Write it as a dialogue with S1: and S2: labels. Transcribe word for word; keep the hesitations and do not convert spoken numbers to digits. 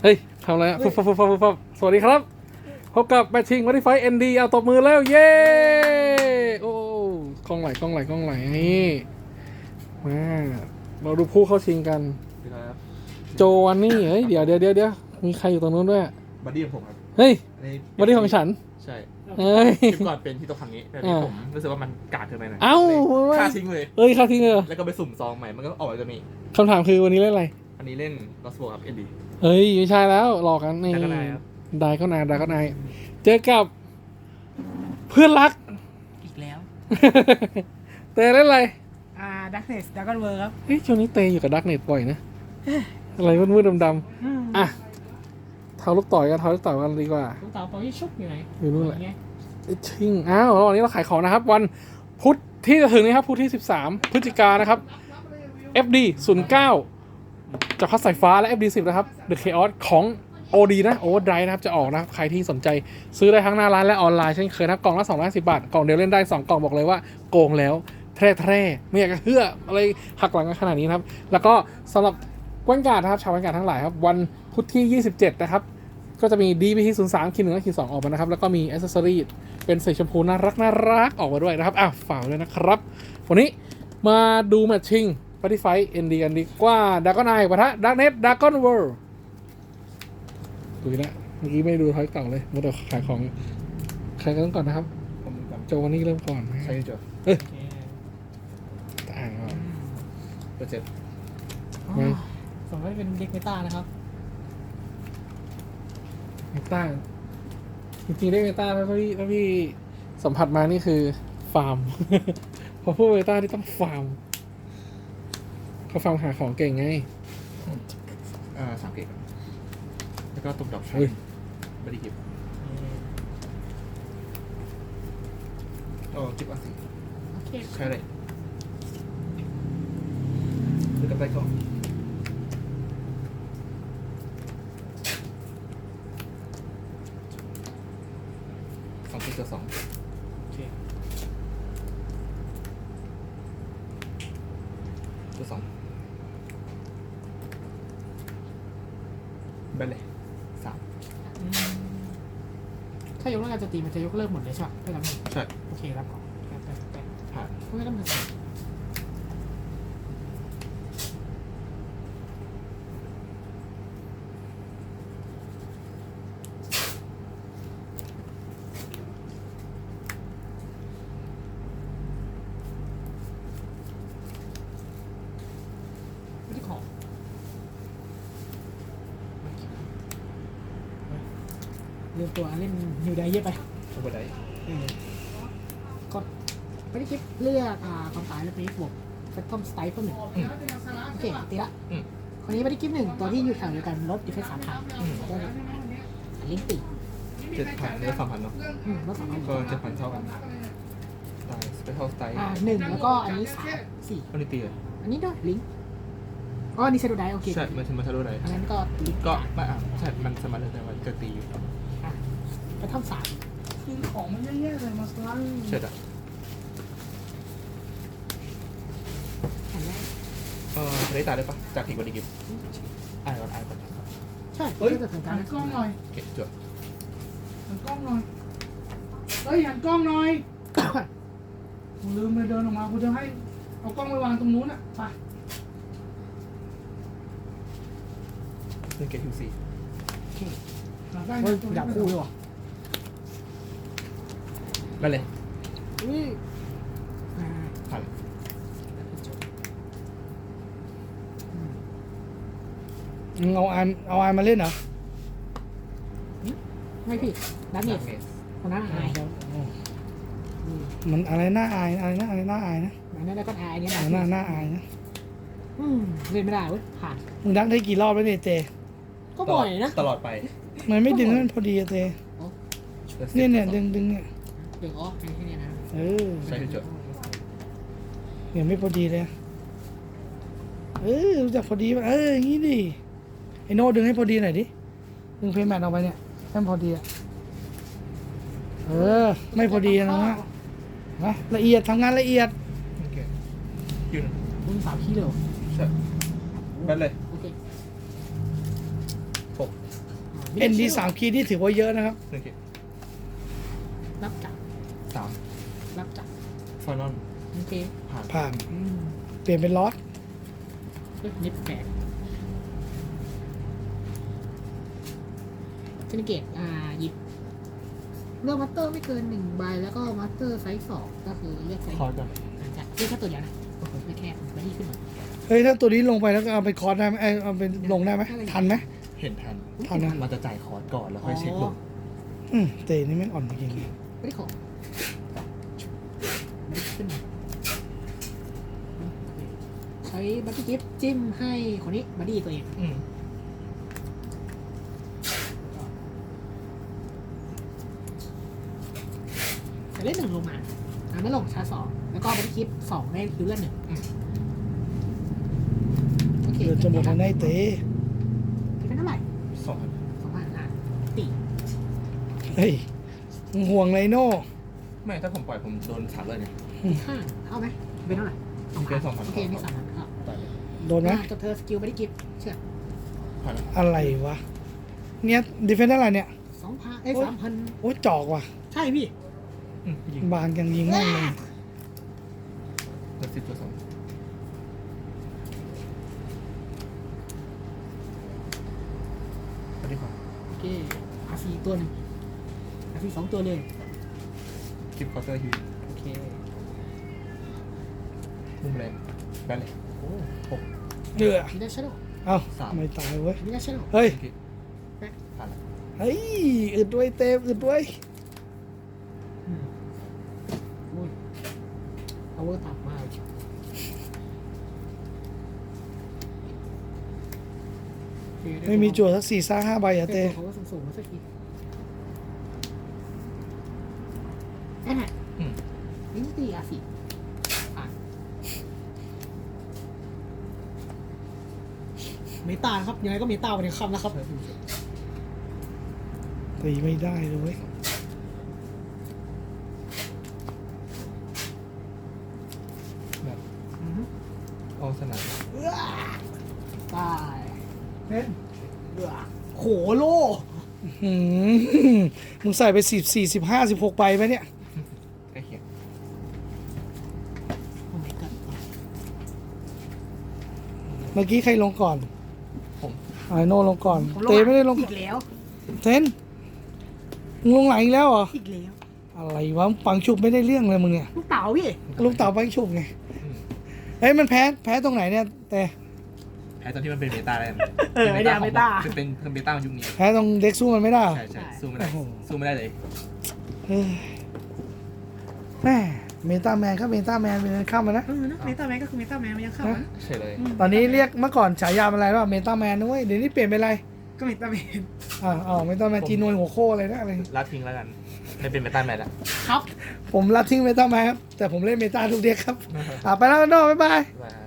S1: เฮ้ยทำอะไรอ่ะฟุบฟุบฟุบฟุบฟุบสวัสดีครับพบกับแมทชิ่งวัตไฟเอ็นดีเอาตบมือแล้วเย้โอ้กล้องไหลกล้องไหลกล้องไหลนี่มาเราดูผู้เข้าชิงกันโจวันนี่เฮ้ยเดี๋ยวเดี๋ยวเดี๋ยวเดี๋ยวมีใครอยู่ตรงนู้นด้วย
S2: บัดดี้ของผมครับ
S1: เฮ้ย
S2: อันนี้
S1: บัดดี้ของฉัน
S2: ใช่
S1: เฮ้ย
S2: คลิปก่อนเป็นที่โต๊ะครั้งนี้แต่ที่ผมรู้สึกว่ามันกาดเกินไปหน่อย
S1: เอ้า
S2: ค่าทิ้งเลย
S1: เอ้ยค่าทิ้งเลยเหรอ
S2: แล้วก็ไปสุ่มซองใหม่มันก็ออกมาจะมี
S1: คำถามคือวันนี้เล่นอะไร
S2: อันนี้เล่นลอสโบครับเอ็นดี
S1: เฮ้ยไม่ใช่แล้วหลอกกันนี่
S2: ได้ก็ได้ครับ
S1: ได้ก็นายได้ก็นายเจอกับเพื่อนรัก
S3: อีกแล้ว
S1: เตะเล่นอะไร
S3: อ่าดักเนสดักกันเวอร์ครับ
S1: เฮ้ยช่วงนี้เตะอยู่กับดักเน็ตบ่อยนะ อะไรมืดๆดำๆอ่ะเท้าลูกต่อยกันเท้าลูกต่อยกันดีกว่า
S3: ลูกเต๋าปอยชุบอยู่ไหน
S1: อยู่นู่นแหละ
S3: ไง
S1: ชิงอ้าวแล้ววันนี้เราขายของนะครับ วันพุธที่จะถึงนี้ครับพุธที่สิบสามพฤศจิกายนนะครับ เอฟ ดี ศูนย์เก้า จับพัดสายฟ้าและ เอฟ ดี สิบ นะครับ The Chaos ของ โอ ดี นะ Overdrive นะครับจะออกนะครับใครที่สนใจซื้อได้ทั้งหน้าร้านและออนไลน์เช่นเคยนะครับกล่องละสองร้อยห้าสิบบาทกล่องเดียวเล่นได้สองกล่องบอกเลยว่าโกงแล้วแท้แท้ไม่อยากจะเชื่ออะไรหักหลังกันขนาดนี้นะครับแล้วก็สำหรับแว่นการ์ดนะครับชาวแว่นการ์ดทั้งหลายครับวันพุธที่ยี่สิบเจ็ดนะครับก็จะมี ดี บี ที ศูนย์สาม คิวหนึ่งและคิวสองออกมานะครับแล้วก็มีอ c เซสซอรี่เป็นสีชมพูน่ารักน่ารักออกมาด้วยนะครับอ่ะฝากด้วยนะครับวันนี้มาดูแมตช์ชิงปฏิไฟเอ็นดีกันดีกว่าดากอนไอปะทะดักเน็ตดากอนเวิลด์ดูนะเมื่อกี้ไม่ดูท้ายเก่าเลยมาแต่ขายของใครกันก่อนนะครับ
S2: ผมกับ
S1: โจวันนี้เริ่มก่อนนะ
S2: ใช่โจ
S1: เอ้ย
S3: โอเค
S1: อ่านก่อน
S2: เปอร์เซ็นต์
S3: อ๋อสมมติเป็นเด็กเมตานะครับ
S1: เมตาจริงๆได้เมตาถ้าพี่ถ้าพี่สัมผัสมานี่คือฟาร์ม พอพูดเมตาที่ต้องฟาร์มเขาฟาร์มหาของเก่งไง
S2: อ่าสามเกตแล้วก็ตุ่มดอก
S1: เฮ้ย
S2: บัดดี้กิฟต์โอ้กิฟต์อันสี่
S3: โอเค
S2: ใช่เลยดูกับไปก่อนสองกิฟต์ตัวสอง
S3: โอเค
S2: ตัวสองไปเลยสาม
S3: อืมถ้ายกเลิกการโจมตีมันจะยกเลิกหมดเลยใช่ไหมไม่รับหนึ่ง
S2: ใช่
S3: โอเครับก่อนแป๊บแป๊บแป๊บ
S2: ผ่าน
S3: ไม่รับหนึ่งไม่ได้ของเลือกตัวเล่นนิวไดเยอะไป
S2: ทุกคนได้
S3: เออกดไม่ได้คลิปเลือกอ่าความตายแล้วไปบวกแฟตทอมสไตล์เพิ่มหนึ่งโอเคตีละ
S2: อืม
S3: คนนี้ไม่ได้คลิปหนึ่งตัวที่อยู่แถวเดียวกันลดดีเฟนส์สามพัน
S2: อืม
S3: ก็ลิงก์ตี
S2: เจ็ดพันเนื้อสามพันเนาะ
S3: อืมลดสามพัน
S2: ก็เจ็ดพันเท่ากันตายสเปเชียลสไตล์
S3: อ่าหนึ่งแล้วก็อันนี้สามสี่
S2: อันนี้ตีเลย
S3: อันนี้ด้วยลิงก์อ๋ออันนี้เซดูไดโอเค
S2: ใช่มันมันทะลุไหน
S3: อันนั้นก็ลิงก์
S2: ก็ไม่อ่ะใช่มันสามารถเลือกได้ว่าจะตีอยู่
S3: อ่ะแฟตทอมสาม
S4: คือของมันแย่ๆเลยมาสลัน
S2: ใช่จ้ะ
S3: อันแรก
S2: เออทะเลตายได้ปะจากผีบอดี้กิฟต์อ่านก่อนอ่านก่อน
S3: ใช่
S4: เฮ้ย
S3: ก็จะถึงกา
S4: หั
S3: ร
S4: นกล้องหน่อย
S2: โอเคจบ
S4: หันกล้องหน่อย เฮ้ยหันกล้องหน่อยกูลืมเลยเดินออกมากูจะให้เอากล้องไปวางตรงนู้นอ่ะไป
S2: เล่นเกตฮิวซี
S3: โอเค
S4: หาได้
S3: เฮ้ย
S4: ตัว
S3: อยากคู่ด้วยวะ
S2: ไปเลย
S3: อุ้ยอ่า
S2: ผ่าน
S4: มึงเอาอันเอาอันมาเล่นเหรอ
S3: ไม่ผิดดักเน
S2: ดา
S3: ส
S2: เมจ
S3: คนนั้นอายเดี๋ยว
S4: มันอะไรน่าอายอะไรนะอะไรน่าอายนะ
S3: อันนั้นแล้วก็อายอันนี้
S4: อะไรน่าน่าอายนะ
S3: อืมเล่นไม่ได้เว้ยผ่าน
S4: มึงดักได้กี่รอบแล้วเนี่ยเจ
S3: ก็บ่อยนะ
S2: ตลอดไป
S4: มันไม่ดึงให้มันพอดีอะเจเนี่ยเนี่ยดึงดึงเนี่ย
S3: เดี๋ยวอ๋อแค่นี้นะ
S4: เออ
S2: ใช่จบ
S4: เนี่ยไม่พอดีเลยเออรู้จักพอดีป่ะเอออย่างงี้ดิไอโน่ดึงให้พอดีหน่อยดิดึงเพย์แมทออกไปเนี่ยให้มันพอดีอะเออ ไม่พอดีนะฮะนะละเอียดทำงานละเอียด
S2: โอเคยืน
S3: มึงสามขี้เร็ว
S2: ใช่ไปเลย
S3: โอเค
S2: หก
S4: เอ็นดีสามคีย์ที่ถือว่าเยอะนะครับ
S2: หนึ่งเกต
S3: รับจับ
S2: สาม
S3: รับจับ
S2: ฟอนอน
S3: โอเค
S2: ผ่าน
S4: ผ่าน
S3: อืม
S4: เปลี่ยนเป็นลอส
S3: เฮ้ยนิดแปลกเซนิเกตอ่าหยิบเลือกมัตเตอร์ไม่เกินหนึ่งใบแล้วก็มัตเตอร์ไซส์สองก็คือเลือกไซส์
S2: คอร์ดก่อน
S3: อาจจะเลือกแค่ตัวเดียวนะไม่แค่ไม่ที่ขึ้นมา
S4: เฮ้ยถ้าตัวนี้ลงไปแล้วก็เอาไปคอร์สได้ไหมเอ้ยเอาไปลงได้ไหมทันไหม
S2: เห็นทัน
S4: ทันนะ
S2: มันจะจ่ายคอร์ดก่อนแล้วค่อยเช็คลง
S4: อืมเตนี่ไม่งอ่อนจริง
S3: ไม่ได้ของไม่ได้ขึ้นมาใช้บัตตี้กิฟจิ้มให้คนนี้บัดดี้ตัวเอง
S2: อืม
S3: แต่เล่นหนึ่งลงมาอ่าไม่ลงชาร์จสองแล้วก็บัตตี้กิฟสองได้คิวเลือดหนึ่งโอเค
S4: ๆเดี๋ยวจะหมดแล้วนายเต
S3: คิดเป็นเท่าไหร่
S2: สองพัน
S3: สองพันอ่ะตี
S4: เฮ้ยมึงห่วงไรโน่
S2: ไม่ถ้าผมปล่อยผมโดนสามเลยเนี่ย
S3: ห้าเอาไหมเป็นเท่าไหร่
S2: เป็นสองพัน
S3: โอเคนี่สามพันครับ
S2: ปล่อยเลย
S4: โดนไหม
S3: อ่าจบเธอสกิลบัตตี้กิฟเชื่อ
S2: ผ่าน
S4: อะไรวะเนี่ยดีเฟนซ์อะไรเนี่ย
S3: สองพันเอ้ยสามพัน
S4: โอ้ยจอกว่ะ
S3: ใช่พี่
S2: อืมยิง
S4: บางยังยิงแม่งเลย
S2: เปิดสิบตัวสองไปดีกว่า
S3: โอเคอาซีตัวหนึ่งอาซีสองตัวเลย
S2: คลิปคอร์เตอร์ฮิว
S3: โอเค
S2: มุมแรงแบนเลย
S3: โอ้
S2: หก
S4: เดือ
S3: มีได้ชาร์โด
S4: เอ้า
S2: สาม
S4: ไม่ตายเว้ย
S3: มีได้ชาร์โด
S4: เฮ้ย
S2: โอเคผ่านแล้ว
S4: เฮ้ยอึดด้วยเต็มอึดด้วย
S3: อืมโอ้ยเอาเวอร์ต่ำมากโอเคด้
S4: ไม่มีจั่วสักสี่ซ่าห้าใบอะเต้
S3: ได้ตัวเขาว่าสูงๆมาสักทีแอนแฮะ
S2: อืม
S3: ลิงตีอาซีอ่ะเมตานะครับยังไงก็เมตาวันนี้คำนะครับ
S4: ตีไม่ได้เลยเว้ย
S2: แบบ
S3: อือฮึ
S2: เอาสนาม
S3: ตายเล่นเดือโหโล
S4: หืมมึงใส่ไปสิบสี่สิบห้าสิบหกใบไหมเนี่ย
S2: ใกล้เคียง
S3: โอ้ my god
S4: เมื่อกี้ใครลงก่อน
S2: ผม
S4: ไอโน่ลงก่อน
S3: ผม
S4: เตไม่ได้ลง
S3: อีกแล้ว
S4: เทนมึงลงหลังอีกแล้วเหรอ
S3: อีกแล้ว
S4: อะไรวะปังฉุบไม่ได้เรื่องเลยมึงเนี่ย
S3: ลูกเต๋าพี่
S4: ลูกเต่าปังฉุบไง
S2: อืม
S4: เฮ้ยมันแพ้แพ้ตรงไหนเนี่ยแต่
S2: แพ้ตอนที่มันเป็นเมตาแล้วกัน
S3: เออไอเดียเมตา
S2: คือเป็นคือเมตายุคนี้
S4: แพ้ตรงเด็กสู้มันไม่ได้เหรอ
S2: ใช่ใช่สู้ไม่ได้
S4: โอ้โห
S2: สู้ไม่ได้เลย
S4: เฮ้ยแม่เมตาแมนครับเมตาแมนเป็นข้ามมานะ
S3: เออนะเมตาแมนก็คือเมตาแมนมันยังเข้านะ
S2: ใช่เลย
S4: ตอนนี้เรียกเมื่อก่อนฉายาเป็นอะไรว่าเมตาแมนนะเว้ยเดี๋ยวนี้เปลี่ยนเป็นอะไร
S3: ก็เมตาแมน
S4: อ่าอ๋อเมตาแมนจีนวยหัวโคอะไรนะอะไร
S2: ละทิ้งแล้วกันไม่เป็นเมตาแมนแล้ว
S3: ครับ
S4: ผมรับทิ้งเมตาแมนครับแต่ผมเล่นเมตาทุกเด็กครับอ่าไปแล้วกันโน่บ๊ายบาย
S2: บ๊ายบาย